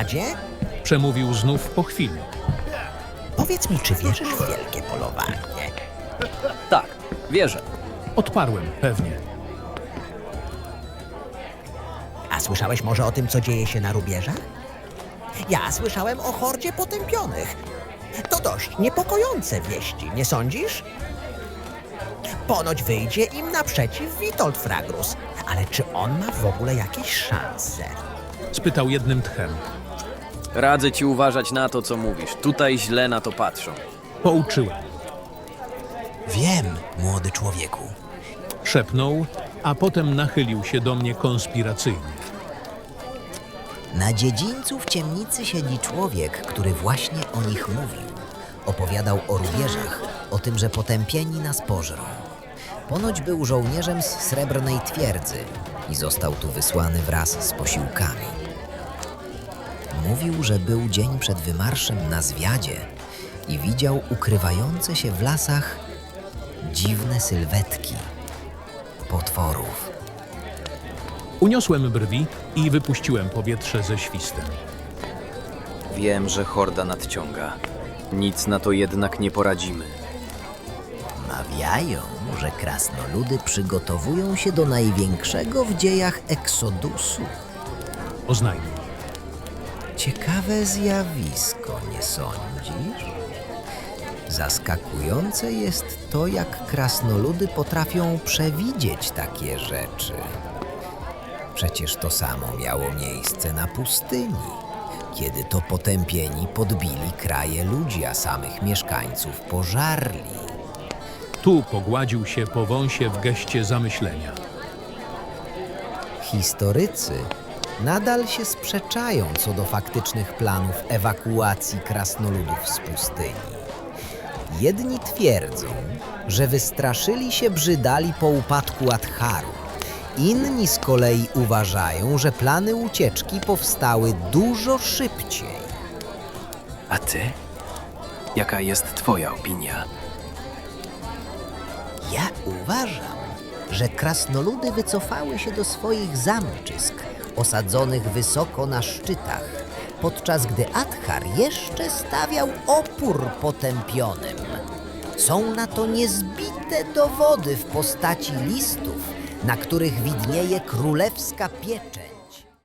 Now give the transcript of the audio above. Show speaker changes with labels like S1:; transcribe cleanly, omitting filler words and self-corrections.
S1: Hordzie?
S2: Przemówił znów po chwili.
S1: Powiedz mi, czy wierzysz w wielkie polowanie?
S3: Tak, wierzę.
S2: Odparłem pewnie.
S1: A słyszałeś może o tym, co dzieje się na rubieżach? Ja słyszałem o hordzie potępionych. To dość niepokojące wieści, nie sądzisz? Ponoć wyjdzie im naprzeciw Witold Fragrus, ale czy on ma w ogóle jakieś szanse?
S2: Spytał jednym tchem.
S3: Radzę ci uważać na to, co mówisz. Tutaj źle na to patrzą.
S2: Pouczyłem.
S4: Wiem, młody człowieku.
S2: Szepnął, a potem nachylił się do mnie konspiracyjnie.
S4: Na dziedzińcu w ciemnicy siedzi człowiek, który właśnie o nich mówił. Opowiadał o rubieżach, o tym, że potępieni nas pożrą. Ponoć był żołnierzem z Srebrnej Twierdzy i został tu wysłany wraz z posiłkami. Mówił, że był dzień przed wymarszem na zwiadzie i widział ukrywające się w lasach dziwne sylwetki potworów.
S2: Uniosłem brwi i wypuściłem powietrze ze świstem.
S3: Wiem, że horda nadciąga. Nic na to jednak nie poradzimy.
S4: Mawiają, że krasnoludy przygotowują się do największego w dziejach eksodusu.
S2: Oznajmił.
S4: Ciekawe zjawisko, nie sądzisz? Zaskakujące jest to, jak krasnoludy potrafią przewidzieć takie rzeczy. Przecież to samo miało miejsce na pustyni, kiedy to potępieni podbili kraje ludzi, a samych mieszkańców pożarli.
S2: Tu pogładził się po wąsie w geście zamyślenia.
S4: Historycy nadal się sprzeczają co do faktycznych planów ewakuacji krasnoludów z pustyni. Jedni twierdzą, że wystraszyli się brzydali po upadku Adharu. Inni z kolei uważają, że plany ucieczki powstały dużo szybciej.
S3: A ty? Jaka jest twoja opinia?
S4: Ja uważam, że krasnoludy wycofały się do swoich zamczysk, osadzonych wysoko na szczytach, podczas gdy Adhar jeszcze stawiał opór potępionym. Są na to niezbite dowody w postaci listów, na których widnieje królewska pieczęć.